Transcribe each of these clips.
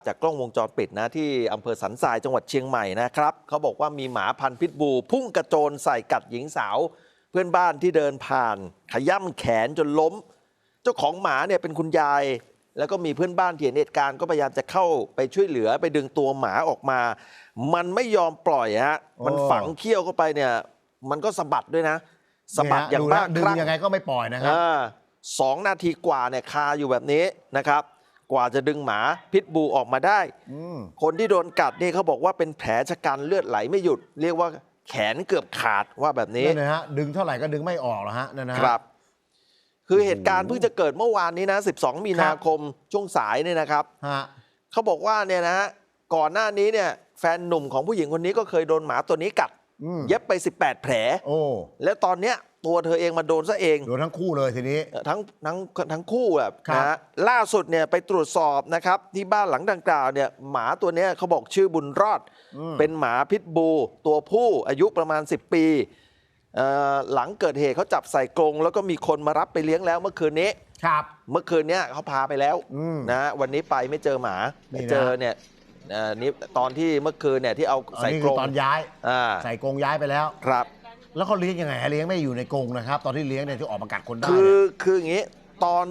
จากกล้องวงจรปิดนะที่อำเภอสันทรายจังหวัดเชียงใหม่นะครับเขาบอกว่ามีหมาพันธุ์พิษบูพุ่งกระโจนใส่กัดหญิงสาวเพื่อนบ้านที่เดินผ่านขย่ำแขนจนล้มเจ้าของหมาเนี่ยเป็นคุณยายแล้วก็มีเพื่อนบ้านที่เห็นเหตุการณ์ก็พยายามจะเข้าไปช่วยเหลือไปดึงตัวหมาออกมามันไม่ยอมปล่อยฮะมันฝังเขี้ยวเข้าไปเนี่ยมันก็สะบัดด้วยนะสะบัดอย่างบ้าคลั่งดึงยังไงก็ไม่ปล่อยนะครับ 2 นาทีกว่าเนี่ยคาอยู่แบบนี้นะครับกว่าจะดึงหมาพิษบูออกมาได้คนที่โดนกัดนี่เขาบอกว่าเป็นแผลชะกันเลือดไหลไม่หยุดเรียกว่าแขนเกือบขาดว่าแบบนี้นั่นนะฮะดึงเท่าไหร่ก็ดึงไม่ออกหรอฮะนั่นนะครับคือเหตุการณ์เพิ่งจะเกิดเมื่อวานนี้นะ12 มีนาคมช่วงสายเนี่ยนะครับเขาบอกว่าเนี่ยนะก่อนหน้านี้เนี่ยแฟนหนุ่มของผู้หญิงคนนี้ก็เคยโดนหมาตัวนี้กัดเย็บไป18 แผลแล้วตอนเนี้ยตัวเธอเองมาโดนซะเองโดนทั้งคู่เลยทีนี้ทั้งคู่แบบนะล่าสุดเนี่ยไปตรวจสอบนะครับที่บ้านหลังดังกล่าวเนี่ยหมาตัวนี้เขาบอกชื่อบุญรอดเป็นหมาพิษบูตัวผู้อายุประมาณ10 ปีหลังเกิดเหตุเขาจับใส่กรงแล้วก็มีคนมารับไปเลี้ยงแล้วเมื่อคืนนี้เมื่อคืนนี้เขาพาไปแล้วนะวันนี้ไปไม่เจอหมาไม่เจอเนี่ยนี่ตอนที่เมื่อคืนเนี่ยที่เอาใส่กรงตอนย้ายใส่กรงย้ายไปแล้วครับแล้วเขาเลี้ยงยังไงเลี้ยงไม่อยู่ในกรงนะครับตอนที่เลี้ยงเนี่ยที่ออกมากัดคนได้คืออย่างนี้ตอน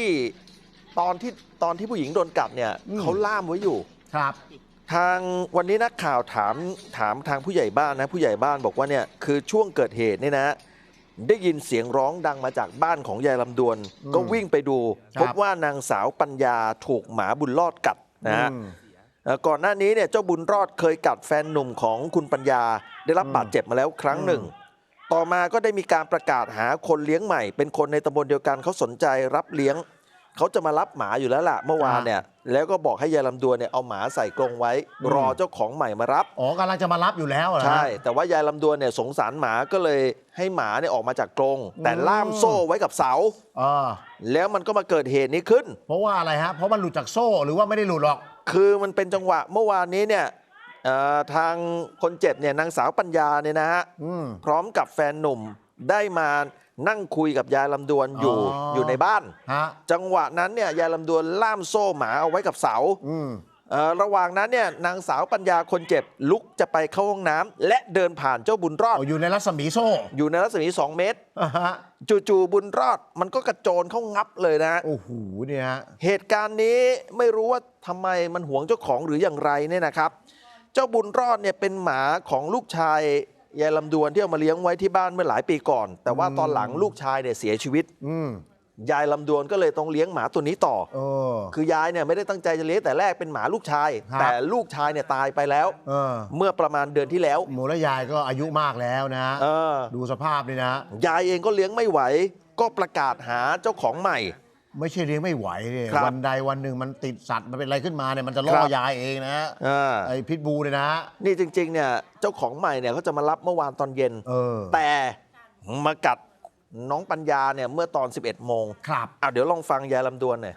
ที่ผู้หญิงโดนกัดเนี่ยเขาล่ามไว้อยู่ครับทางวันนี้นักข่าวถามทางผู้ใหญ่บ้านนะผู้ใหญ่บ้านบอกว่าเนี่ยคือช่วงเกิดเหตุเนี่ยนะได้ยินเสียงร้องดังมาจากบ้านของยายลำดวนก็วิ่งไปดูพบว่านางสาวปัญญาถูกหมาบุญรอดกัดนะฮะก่อนหน้านี้เนี่ยเจ้าบุญรอดเคยกัดแฟนหนุ่มของคุณปัญญาได้รับบาดเจ็บมาแล้วครั้งหนึ่งต่อมาก็ได้มีการประกาศหาคนเลี้ยงใหม่เป็นคนในตำบลเดียวกันเขาสนใจรับเลี้ยงเขาจะมารับหมาอยู่แล้วล่ะเมื่อวานเนี่ยแล้วก็บอกให้ยายลำดวนเนี่ยเอาหมาใส่กรงไว้รอเจ้าของใหม่มารับกำลังจะมารับอยู่แล้วใช่แต่ว่ายายลำดวนเนี่ยสงสารหมาก็เลยให้หมาเนี่ยออกมาจากกรงแต่ล่ามโซ่ไว้กับเสาแล้วมันก็มาเกิดเหตุนี้ขึ้นเพราะว่าอะไรฮะเพราะมันหลุดจากโซ่หรือว่าไม่ได้หลุดหรอกคือมันเป็นจังหวะเมื่อวานนี้เนี่ยทางคนเจ็บเนี่ยนางสาวปัญญาเนี่ยนะฮะพร้อมกับแฟนหนุ่มได้มานั่งคุยกับยายลำดวนอยู่ในบ้านจังหวะนั้นเนี่ยยายลำดวนล่ามโซ่หมาเอาไว้กับเสาระหว่างนั้นเนี่ยนางสาวปัญญาคนเจ็บลุกจะไปเข้าห้องน้ำและเดินผ่านเจ้าบุญรอดอยู่ในรัศมีโซ่อยู่ในรัศมี2 เมตรจู่ๆบุญรอดมันก็กระโจนเข้างับเลยนะโอ้โหเนี่ยเหตุการณ์นี้ไม่รู้ว่าทำไมมันหวงเจ้าของหรืออย่างไรเนี่ยนะครับเจ้าบุญรอดเนี่ยเป็นหมาของลูกชายยายลำดวนที่เอามาเลี้ยงไว้ที่บ้านเมื่อหลายปีก่อนแต่ว่าตอนหลังลูกชายเนี่ยเสียชีวิตยายลำดวนก็เลยต้องเลี้ยงหมาตัวนี้ต่อคือยายเนี่ยไม่ได้ตั้งใจจะเลี้ยงแต่แรกเป็นหมาลูกชายแต่ลูกชายเนี่ยตายไปแล้วเมื่อประมาณเดือนที่แล้วหมูและยายก็อายุมากแล้วนะดูสภาพนี่นะยายเองก็เลี้ยงไม่ไหวก็ประกาศหาเจ้าของใหม่ไม่ใช่เลี้ยงไม่ไหวเลยวันใดวันหนึ่งมันติดสัตว์มันเป็นอะไรขึ้นมาเนี่ยมันจะล่อยายเองนะไอ้พิษบูเนี่ยนะนี่จริงๆเนี่ยเจ้าของใหม่เนี่ยเขาจะมารับเมื่อวานตอนเย็นแต่มากัดน้องปัญญาเนี่ยเมื่อตอน 11 โมงครับเดี๋ยวลองฟังยายลำดวนหน่อย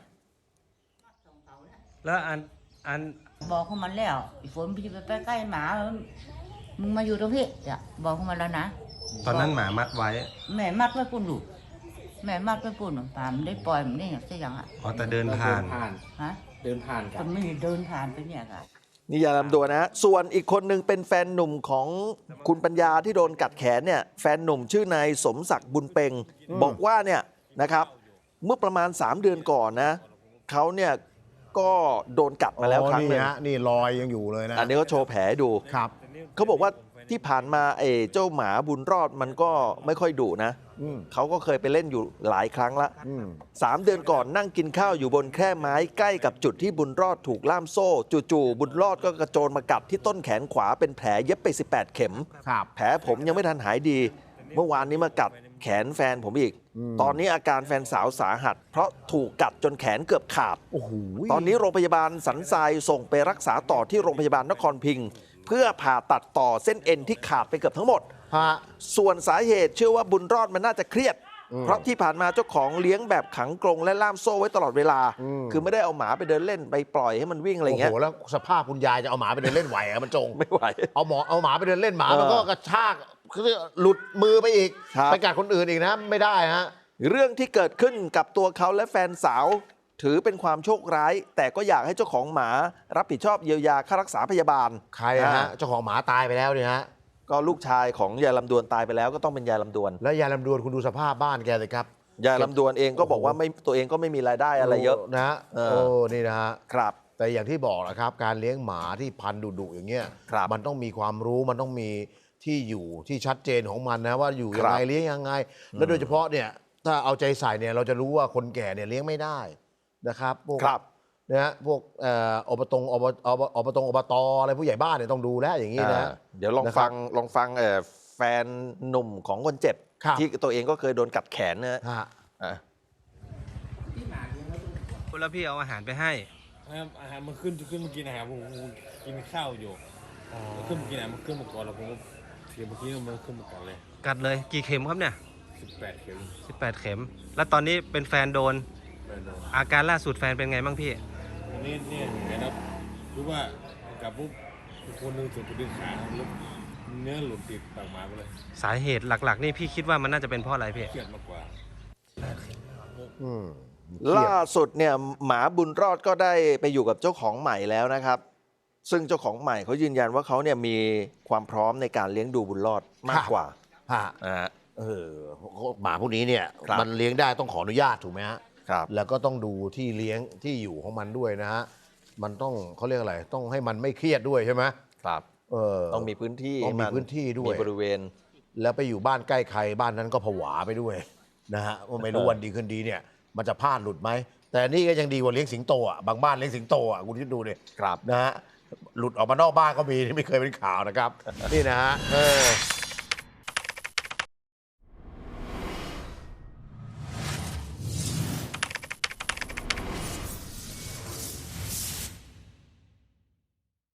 แล้วอันบอกเขามันแล้วฝนพี่ไปใกล้หมามึงมาอยู่ตรงนี้บอกเขามันแล้วนะตอนนั้นหมามัดไว้แม่มัดไว้ปุ่นลูกแม่มัดไว้ปุ่นป่ามันได้ปล่อยมันได้อย่างเช่นอย่างแต่เดินผ่านฮะเดินผ่านกันไม่เดินผ่านไปเนี่ยค่ะนี่ยายลำดวนนะส่วนอีกคนหนึ่งเป็นแฟนหนุ่มของคุณปัญญาที่โดนกัดแขนเนี่ยแฟนหนุ่มชื่อนายสมศักดิ์บุญเพ็งบอกว่าเนี่ยนะครับเมื่อประมาณ3 เดือนก่อนนะเขาเนี่ยก็โดนกัดมาแล้วครั้งนึงนี่รอยยังอยู่เลยนะอันนี้เขาโชว์แผลดูครับเขาบอกว่าที่ผ่านมาเจ้าหมาบุญรอดมันก็ไม่ค่อยดุนะเขาก็เคยไปเล่นอยู่หลายครั้งละ3 เดือนก่อนนั่งกินข้าวอยู่บนแคร่ไม้ใกล้กับจุดที่บุญรอดถูกล่ามโซ่จู่ๆบุญรอดก็กระโจนมากัดที่ต้นแขนขวาเป็นแผลเย็บไป18 เข็มแผลผมยังไม่ทันหายดีเมื่อวานนี้มากัดแขนแฟนผมอีกตอนนี้อาการแฟนสาวสาหัสเพราะถูกกัดจนแขนเกือบขาดตอนนี้โรงพยาบาลสันทรายส่งไปรักษาต่อที่โรงพยาบาลนครพิงค์เพื่อผ่าตัดต่อเส้นเอ็นที่ขาดไปเกือบทั้งหมดส่วนสาเหตุเชื่อว่าบุญรอดมันน่าจะเครียดเพราะที่ผ่านมาเจ้าของเลี้ยงแบบขังกรงและล่ามโซ่ไว้ตลอดเวลาคือไม่ได้เอาหมาไปเดินเล่นไปปล่อยให้มันวิ่งอะไรเงี้ยโอ้โหแล้วสภาพคุณยายจะเอาหมาไปเดินเล่นไหวมันจงไม่ไหวเอาหมาไปเดินเล่นหมามันก็กระชากหลุดมือไปอีกไปกัดคนอื่นอีกนะไม่ได้ฮะเรื่องที่เกิดขึ้นกับตัวเขาและแฟนสาวถือเป็นความโชคร้าย แต่ก็อยากให้เจ้าของหมารับผิดชอบเยียวยาค่ารักษาพยาบาลใครอะฮะเจ้าของหมาตายไปแล้วเนี่ยฮะก็ลูกชายของยายลำดวนตายไปแล้วก็ต้องเป็นยายลำดวนแล้วยายลำดวนคุณดูสภาพบ้านแกสิครับยายลำดวนเองก็บอกว่าไม่ตัวเองก็ไม่มีรายได้อะไรเยอะนะฮะเออโอ้นี่นะฮะครับแต่อย่างที่บอกนะครับการเลี้ยงหมาที่พันธุ์ดุๆอย่างเงี้ยครับมันต้องมีความรู้มันต้องมีที่อยู่ที่ชัดเจนของมันนะว่าอยู่คยัรังบไงเลี้ยงยังไง แล้วโดยเฉพาะเนี่ยถ้าเอาใจใส่เนี่ยเราจะรู้ว่าคนแก่เนี่ยเลี้ยงไม่ได้นะครับพวกครับนะฮะพวกอบตอบตอะไรผู้ใหญ่บ้านเนี่ยต้องดูแลอย่างนี้นะเดี๋ยวลองนะครับฟังแฟนหนุ่มของคนเจ็บครับที่ตัวเองก็เคยโดนกัดแขนนะฮะฮะอ่ะแล้วพี่เอาอาหารไปให้ครับอาหารมันขึ้นมากินอาหารผมกินข้าวอยู่ขึ้นมากินอาหารมันขึ้นมาก่อนแล้วผมก็เทียมเมื่อกี้มันขึ้นมาก่อนเลยกัดเลยกี่เข็มครับเนี่ย 18 เข็ม 18 เข็ม แล้วตอนนี้เป็นแฟนโดนแม่นอนอาการล่าสุดแฟนเป็นไงบ้างพี่วันนี้เนี่ยเห็นครับรู้ว่ากับปุ๊บคนหนึงถึงไปดึงขาแล้วเนื้อหลุดติดปากหมาไปเลยสาเหตุหลักๆ นี่พี่คิดว่ามันน่าจะเป็นเพราะอะไรพี่เครียดมากกว่าอืมล่าสุดเนี่ยหมาบุญรอดก็ได้ไปอยู่กับเจ้าของใหม่แล้วนะครับ ซึ่งเจ้าของใหม่เขายืนยันว่าเขาเนี่ยมีความพร้อมในการเลี้ยงดูบุญรอดมากกว่าฮะอ่าหมาพวกนี้เนี่ยครับมันเลี้ยงได้ต้องขออนุญาตถูกไหมฮะครับแล้วก็ต้องดูที่เลี้ยงที่อยู่ของมันด้วยนะฮะ มันต้องเขาเรียกอะไร ต้องให้มันไม่เครียดด้วยใช่ไหมครับ ต้องมีพื้นที่ต้องมีให้พื้นที่ด้วยมีบริเวณแล้วไปอยู่บ้านใกล้ใครบ้านนั้นก็ผวาไปด้วยนะฮะว่าไม่รู้วันดีคืนดีเนี่ย มันจะพลาดหลุดไหม แต่นี่ก็ยังดีกว่าเลี้ยงสิงโตอ่ะ บางบ้านเลี้ยงสิงโตอ่ะคุณคิดดูดิครับนะฮะ หลุดออกมานอกบ้านก็มีที่ไม่เคยเป็นข่าวนะครับ นี่นะฮะ